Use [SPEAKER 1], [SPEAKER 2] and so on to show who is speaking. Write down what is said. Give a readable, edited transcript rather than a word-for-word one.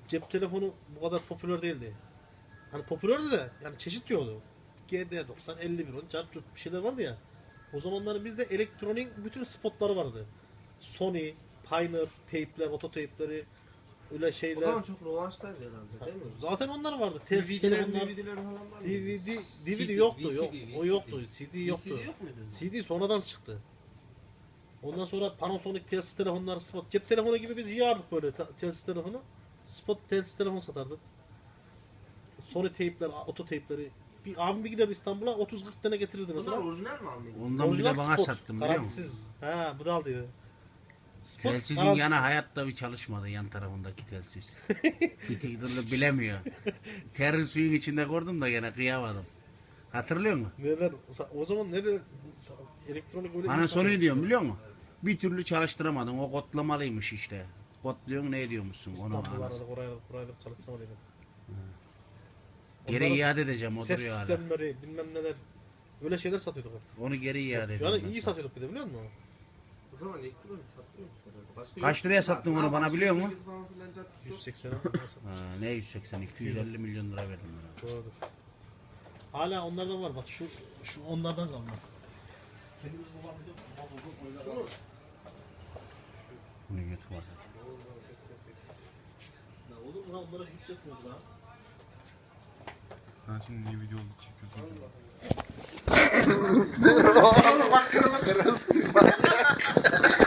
[SPEAKER 1] cep telefonu bu kadar popüler değildi. Hani popülerdi de yani çeşit yoktu. GD90, 5110, cart curt bir şeyler vardı ya. O zamanların bizde elektronik bütün spotları vardı. Sony, Pioneer, teypler, ototeypleri, öyle
[SPEAKER 2] O
[SPEAKER 1] şeyler.
[SPEAKER 2] zaman çok revaçtaydı herhalde değil mi?
[SPEAKER 1] Zaten onlar vardı. Telsiz telefonlar,
[SPEAKER 2] DVD'ler falan var mı?
[SPEAKER 1] DVD yoktu, yok.
[SPEAKER 2] VCD.
[SPEAKER 1] O yoktu, CD yoktu.
[SPEAKER 2] VCD yok muydu?
[SPEAKER 1] CD sonradan çıktı. Ondan sonra Panasonic telsiz telefonlar, spot cep telefonu gibi biz yiyardık böyle telsiz telefonu. Spot telsiz telefon satardık. Sony teypler, ototeypleri. Bir abim bir gider İstanbul'a 30-40 tane getirirdi
[SPEAKER 2] Bunlar
[SPEAKER 1] mesela.
[SPEAKER 2] orijinal mi almıydı?
[SPEAKER 3] Ondan bir
[SPEAKER 1] Orijinal
[SPEAKER 3] de bana
[SPEAKER 1] spot,
[SPEAKER 3] sattın biliyor musun?
[SPEAKER 1] garantisiz. Ha, bu da aldıydı. Spot,
[SPEAKER 3] Telsizin
[SPEAKER 1] garantisiz.
[SPEAKER 3] yana hayatta bir çalışmadı yan tarafındaki telsiz. Bir türlü bilemiyor. Terin suyun içinde gördüm da gene kıyamadım. Hatırlıyor musun?
[SPEAKER 1] Neler? O zaman neler? Elektronik öyle
[SPEAKER 3] Bana
[SPEAKER 1] insan
[SPEAKER 3] soruyu
[SPEAKER 1] yok
[SPEAKER 3] diyorum
[SPEAKER 1] işte.
[SPEAKER 3] biliyor musun? Bir türlü çalıştıramadın. O kodlamalıymış işte. Kodluyorsun ne ediyormuşsun onu
[SPEAKER 1] İstanbul'da
[SPEAKER 3] anasını.
[SPEAKER 1] oraya çalıştırmalıydı.
[SPEAKER 3] Geri
[SPEAKER 1] Onların
[SPEAKER 3] iade edeceğim o
[SPEAKER 1] ses
[SPEAKER 3] duruyor hala.
[SPEAKER 1] sistemleri bilmem neler öyle şeyler satıyorduk.
[SPEAKER 3] Onu geri iade
[SPEAKER 1] Yani
[SPEAKER 3] edeceğim.
[SPEAKER 1] iyi satıyorduk bir de biliyor musun?
[SPEAKER 2] O zaman elektronik satılıyormuş herhalde. Başka
[SPEAKER 3] Kaç
[SPEAKER 2] yok.
[SPEAKER 3] liraya sattın onu bana biliyor musun?
[SPEAKER 2] 508 falan filan cart curt yok.
[SPEAKER 1] 180'e satmıştık.
[SPEAKER 3] Ha, ne 180 250 milyon lira verdim bana.
[SPEAKER 1] Doğrudur. Hala onlardan var bak şu onlardan kalma. Kendimiz babamızda bozuldu oylar.
[SPEAKER 3] Bunu YouTube var.
[SPEAKER 1] Ya olur mu lan onlara hiç yetmiyordu lan.
[SPEAKER 4] Sen şimdi niye video çekiyorsun?
[SPEAKER 1] Bak kırılır.